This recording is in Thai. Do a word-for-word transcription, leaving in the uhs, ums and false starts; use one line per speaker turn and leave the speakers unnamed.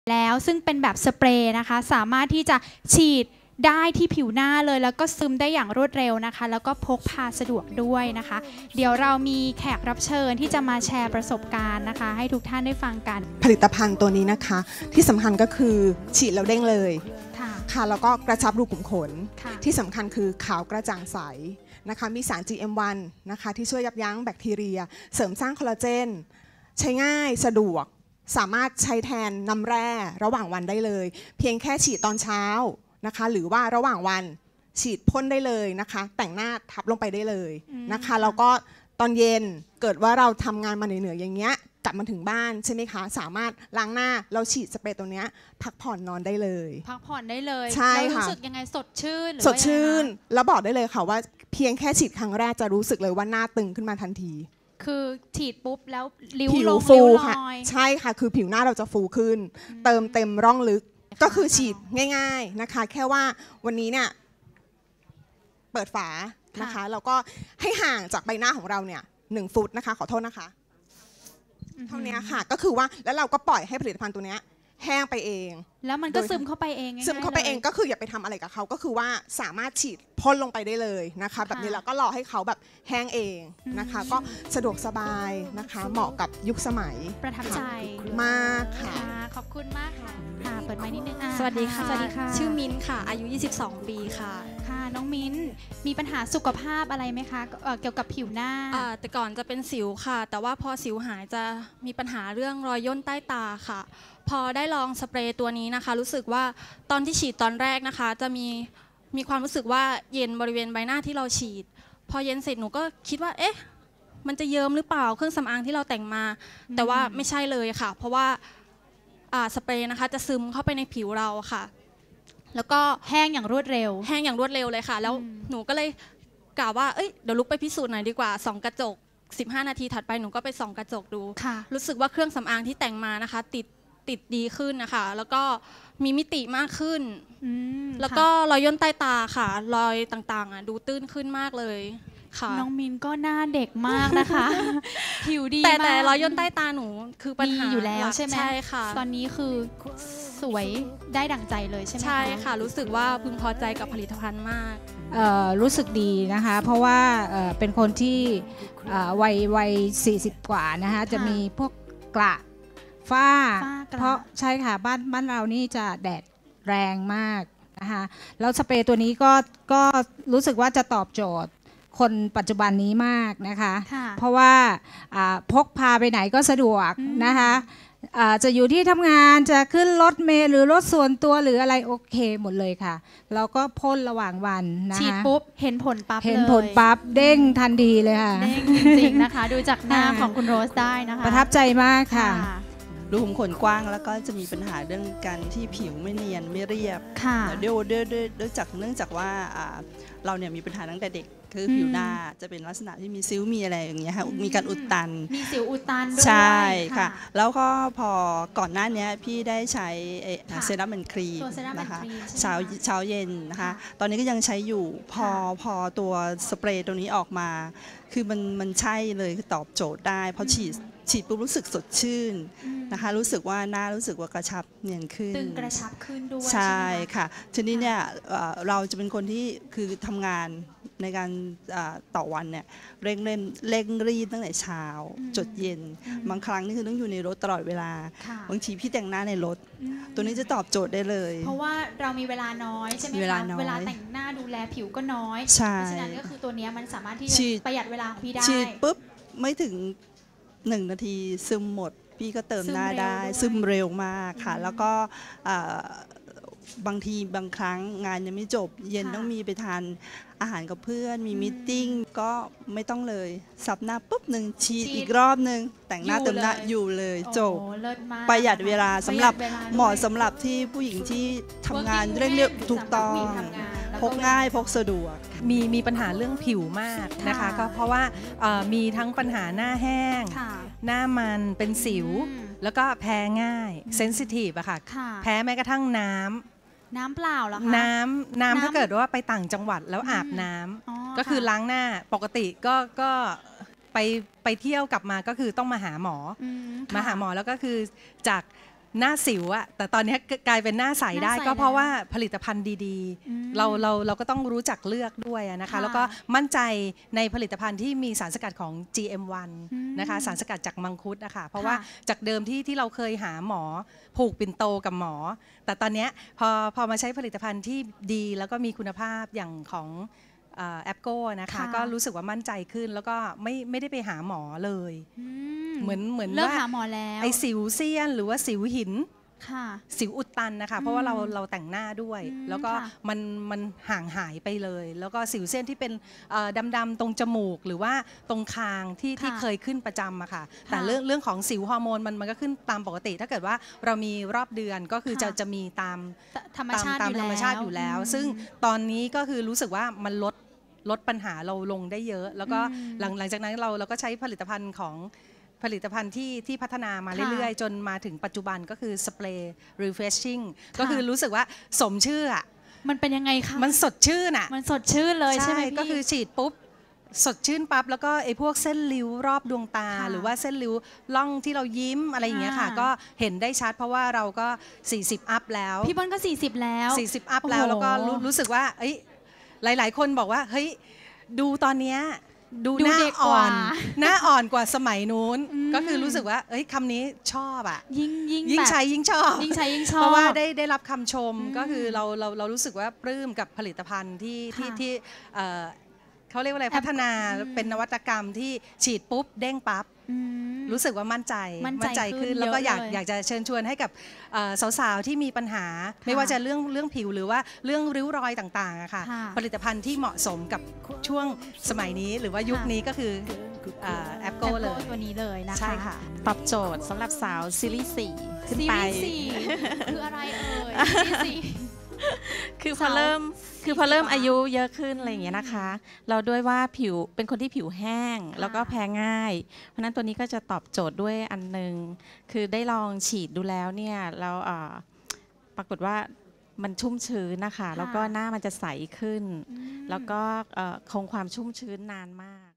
แล้วซึ่งเป็นแบบสเปรย์นะคะสามารถที่จะฉีดได้ที่ผิวหน้าเลยแล้วก็ซึมได้อย่างรวดเร็วนะคะแล้วก็พกพาสะดวกด้วยนะคะเดี๋ยวเรามีแขกรับเชิญที่จะมาแชร์ประสบการณ์นะคะให้ทุกท่านได้ฟังกัน
ผลิตภัณฑ์ตัวนี้นะคะที่สำคัญก็คือฉีดแล้วเด้งเลยค่ะแล้วก็กระชับรูขุมขนที่สำคัญคือขาวกระจ่างใสนะคะมีสาร จี เอ็ม วัน นะคะที่ช่วยยับยั้งแบคทีเรียเสริมสร้างคอลลาเจนใช้ง่ายสะดวกสามารถใช้แทนน้ำแร่ระหว่างวันได้เลยเพียงแค่ฉีดตอนเช้านะคะหรือว่าระหว่างวันฉีดพ่นได้เลยนะคะแต่งหน้าทับลงไปได้เลยนะคะแล้วก็ตอนเย็นเกิดว่าเราทำงานมาเหนื่อยๆอย่างเงี้ยกลับมาถึงบ้านใช่ไหมคะสามารถล้างหน้าเราฉีดสเปรย์ตัวเนี้ยพักผ่อนนอนได้เลย
พักผ่อนได้เลย
ใช่ค่ะ
รู้สึกยังไงสดชื่น
สดชื่นแล้วบอกได้เลยค่ะว่าเพียงแค่ฉีดครั้งแรกจะรู้สึกเลยว่าหน้าตึงขึ้นมาทันที
คือฉีดปุ๊บแล้วริ้ว
ผิว
ลง
ฟู
ริ้วล
ค่ะ
อย
ใช่ค่ะคือผิวหน้าเราจะฟูขึ้นเติมเต็มร่องลึกก็คือฉีดง่ายๆนะคะแค่ว่าวันนี้เนี่ยเปิดฝานะคะแล้วก็ให้ห่างจากใบหน้าของเราเนี่ยหนึ่งฟุตนะคะขอโทษนะคะเท่านี้ค่ะก็คือว่าแล้วเราก็ปล่อยให้ผลิตภัณฑ์ตัวนี้แห้งไปเอง
แล้วมันก็ซึมเข้าไปเอง
ซึมเข้าไปเองก็คืออย่าไปทำอะไรกับเขาก็คือว่าสามารถฉีดพ่นลงไปได้เลยนะคะแบบนี้แล้วก็รอให้เขาแบบแห้งเองนะคะก็สะดวกสบายนะคะเหมาะกับยุคสมัย
ประทับใจ
มากค่ะ
ขอบคุณมากค่ะค่ะเปิดไมค์นิดนึง
สวัสดีค่ะสวัสดีค่ะชื่อมิ้นค่ะอายุยี่สิบสองปีค่ะ
ค่ะน้องมิ้นมีปัญหาสุขภาพอะไรไหมคะเกี่ยวกับผิวหน้า
แต่ก่อนจะเป็นสิวค่ะแต่ว่าพอสิวหายจะมีปัญหาเรื่องรอยย่นใต้ตาค่ะพอได้ลองสเปรย์ตัวนี้นะคะรู้สึกว่าตอนที่ฉีดตอนแรกนะคะจะมีมีความรู้สึกว่าเย็นบริเวณใบหน้าที่เราฉีดพอเย็นเสร็จหนูก็คิดว่าเอ๊ะมันจะเยิ้มหรือเปล่าเครื่องสำอางที่เราแต่งมาแต่ว่าไม่ใช่เลยค่ะเพราะว่าสเปรย์นะคะจะซึมเข้าไปในผิวเราค่ะแล้วก็
แห้งอย่างรวดเร็ว
แห้งอย่างรวดเร็วเลยค่ะแล้วหนูก็เลยกล่าวว่าเอ้ยเดี๋ยวลุกไปพิสูจน์หน่อยดีกว่าส่องกระจกสิบห้านาทีถัดไปหนูก็ไปส่องกระจกดูรู้สึกว่าเครื่องสำอางที่แต่งมานะคะติดติดดีขึ้นนะคะแล้วก็มีมิติมากขึ้นแล้วก็รอยย่นใต้ตาค่ะรอยต่างๆดูตื้นขึ้นมากเลยค่ะ
น้องมินก็หน้าเด็กมากนะคะผิวดี
แต่แต่รอยย่นใต้ตาหนูคือปัญหา
อยู่แล้วใช่ไหม
ใช่ค่ะ
ตอนนี้คือสวยได้ดั่งใจเลยใช่ไหม
ใช่ค่ะรู้สึกว่าพึงพอใจกับผลิตภัณฑ์มาก
รู้สึกดีนะคะเพราะว่าเป็นคนที่วัยวัยสี่สิบกว่านะคะจะมีพวกกระฝ้าเพราะใช่ค่ะบ้านบ้านเรานี่จะแดดแรงมากนะคะแล้วสเปรย์ตัวนี้ก็ก็รู้สึกว่าจะตอบโจทย์คนปัจจุบันนี้มากนะคะเพราะว่าพกพาไปไหนก็สะดวกนะคะจะอยู่ที่ทำงานจะขึ้นรถเมล์หรือรถส่วนตัวหรืออะไรโอเคหมดเลยค่ะแล้วก็พ่นระหว่างวันนะคะ
ฉีดปุ๊บเห็นผลปั๊บ
เห็นผลปั๊บเด้งทันทีเลยค่ะ
เด้งจริงๆนะคะดูจากหน้าของคุณโรสได้นะคะ
ประทับใจมากค่ะ
รูขุมขนกว้างแล้วก็จะมีปัญหาเรื่องการที่ผิวไม่เนียนไม่เรียบด้วยด้วยด้วยด้วยจากเนื่องจากว่าเราเนี่ยมีปัญหาตั้งแต่เด็กคือผิวหน้าจะเป็นลักษณะที่มีซิ้วมีอะไรอย่างเงี้ยค่ะมีการอุดตัน
มีสิวอุดตันด้วย
ใช่ค่ะแล้วก็พอก่อนหน้านี้พี่ได้ใช้เซรั่มแอนด์ครีมนะคะเช้าเช้าเย็นนะคะตอนนี้ก็ยังใช้อยู่พอพอตัวสเปรย์ตัวนี้ออกมาคือมันมันใช่เลยคือตอบโจทย์ได้เพราะฉีดฉีดปุ๊บรู้สึกสดชื่นนะคะรู้สึกว่าหน้ารู้สึกว่ากระชับเนียนขึ้น
ตึงกระชับขึ้นด้วย
ใช่ค่ะทีนี้เนี่ยเราจะเป็นคนที่คือทำงานในการต่อวันเนี่ยเร่งเร่งเร่งรีบตั้งแต่เช้าจดเย็นบางครั้งนี่คือต้องอยู่ในรถตลอดเวลาบางทีพี่แต่งหน้าในรถตัวนี้จะตอบโจทย์ได้เลย
เพราะว่าเรามีเวลาน้อยใช่ไหมคะเวลาเวลาแต่งหน้าดูแลผิวก็น้อยเพราะฉะนั้นก็คือตัวนี้มันสามารถที่จะประหยัดเวลาพี่ได้
ฉีดปุ๊บไม่ถึงหนึ่งนาทีซึมหมดพี่ก็เติมหน้าได้ซึมเร็วมากค่ะแล้วก็บางทีบางครั้งงานยังไม่จบเย็นต้องมีไปทานอาหารกับเพื่อนมีมีตติ้งก็ไม่ต้องเลยสับหน้าปุ๊บหนึ่งฉีดอีกรอบหนึ่งแต่งหน้าเติมหน้าอยู่เลยจบประหยัดเวลาสำหรับเหมาะสำหรับที่ผู้หญิงที่ทำงานเร่งเรียบถูกต้องพกง่ายพกสะดวก
มีมีปัญหาเรื่องผิวมากนะคะก็เพราะว่ามีทั้งปัญหาหน้าแห้งหน้ามันเป็นสิวแล้วก็แพ้ง่ายเซนซิทีฟอะค่ะแพ้แม้กระทั่งน้ำ
น้ำเปล่าเหรอคะ
น้ำน้ำถ้าเกิดว่าไปต่างจังหวัดแล้วอาบน้ำก็คือล้างหน้าปกติก็ก็ไปไปเที่ยวกลับมาก็คือต้องมาหาหมอมาหาหมอแล้วก็คือจากหน้าสิวอะแต่ตอนนี้กลายเป็นหน้าใสได้ก็เพราะว่าผลิตภัณฑ์ดีๆเราเราเราก็ต้องรู้จักเลือกด้วยนะคะแล้วก็มั่นใจในผลิตภัณฑ์ที่มีสารสกัดของ จี เอ็ม วัน นะคะสารสกัดจากมังคุดนะคะเพราะว่าจากเดิมที่ที่เราเคยหาหมอผูกปิ่นโตกับหมอแต่ตอนนี้พอพอมาใช้ผลิตภัณฑ์ที่ดีแล้วก็มีคุณภาพอย่างของแอปโก้นะคะก็รู้สึกว่ามั่นใจขึ้นแล้วก็ไม่ไม่ได้ไปหาหมอเลยเหมือนเหมือนว่าไอสิวเซียนหรือว่าสิวหินสิวอุดตันนะคะเพราะว่าเราเราแต่งหน้าด้วยแล้วก็มันมันห่างหายไปเลยแล้วก็สิวเส้นที่เป็นดำๆตรงจมูกหรือว่าตรงคางที่ที่เคยขึ้นประจำอะค่ะแต่เรื่องเรื่องของสิวฮอร์โมนมันมันก็ขึ้นตามปกติถ้าเกิดว่าเรามีรอบเดือนก็คือจะจะมีตาม
ธรรมชาติ
ตามธรรมชาติอยู่แล้วซึ่งตอนนี้ก็คือรู้สึกว่ามันลดลดปัญหาเราลงได้เยอะแล้วก็หลังหลังจากนั้นเราเราก็ใช้ผลิตภัณฑ์ของผลิตภัณฑ์ที่ที่พัฒนามาเรื่อยๆจนมาถึงปัจจุบันก็คือสเปรย์ refreshing ก็คือรู้สึกว่าสมชื่ออ่ะ
มันเป็นยังไงคะ
มันสดชื่นอ่ะ
มันสดชื่นเลยใช่ไหมพี่
ก็คือฉีดปุ๊บสดชื่นปั๊บแล้วก็ไอ้พวกเส้นริ้วรอบดวงตาหรือว่าเส้นริ้วล่องที่เรายิ้มอะไรอย่างเงี้ยค่ะก็เห็นได้ชัดเพราะว่าเราก็สี่สิบอัพแล้ว
พี่บอลก็สี่สิบแล้ว
สี่สิบอัพแล้วแล้วก็รู้สึกว่าเอ้ยหลายๆคนบอกว่าเฮ้ยดูตอนเนี้ยดูหน้าอ่อนหน้าอ่อนกว่าสมัยนู้นก็คือรู้สึกว่าเอ้ยคำนี้ชอบอ่ะ
ยิ่งยิ่ง
ยิ่งใช้ยิ่งชอบ
ยิ่งใช้ยิ่งชอบ
เพราะว่าได้ได้รับคำชมก็คือเราเราเรารู้สึกว่าปลื้มกับผลิตภัณฑ์ที่ที่ที่เขาเรียกว่าอะไรพัฒนาเป็นนวัตกรรมที่ฉีดปุ๊บเด้งปั๊บรู้สึกว่ามั่นใจ
มั่นใจขึ้น
แล้วก็อยากอยากจะเชิญชวนให้กับสาวๆที่มีปัญหาไม่ว่าจะเรื่องเรื่องผิวหรือว่าเรื่องริ้วรอยต่างๆอะค่ะผลิตภัณฑ์ที่เหมาะสมกับช่วงสมัยนี้หรือว่ายุคนี้ก็คือแอปโก้เลย
ตัวนี้เลยนะคะ
ใช่ค่ะ
ตอบโจทย์สำหรับสาวซีรีส์สี่ขึ้นไป
ซีรีส์สี่คืออะไรเอ่ยซีรีส์สี่
คือพอเริ่มคือพอเริ่มอายุเยอะขึ้นอะไรอย่างเงี้ยนะคะเราด้วยว่าผิวเป็นคนที่ผิวแห้งแล้วก็แพ้ง่ายเพราะนั้นตัวนี้ก็จะตอบโจทย์ด้วยอันนึงคือได้ลองฉีดดูแล้วเนี่ยแล้วปรากฏว่ามันชุ่มชื้นนะคะแล้วก็หน้ามันจะใสขึ้นแล้วก็คงความชุ่มชื้นนานมาก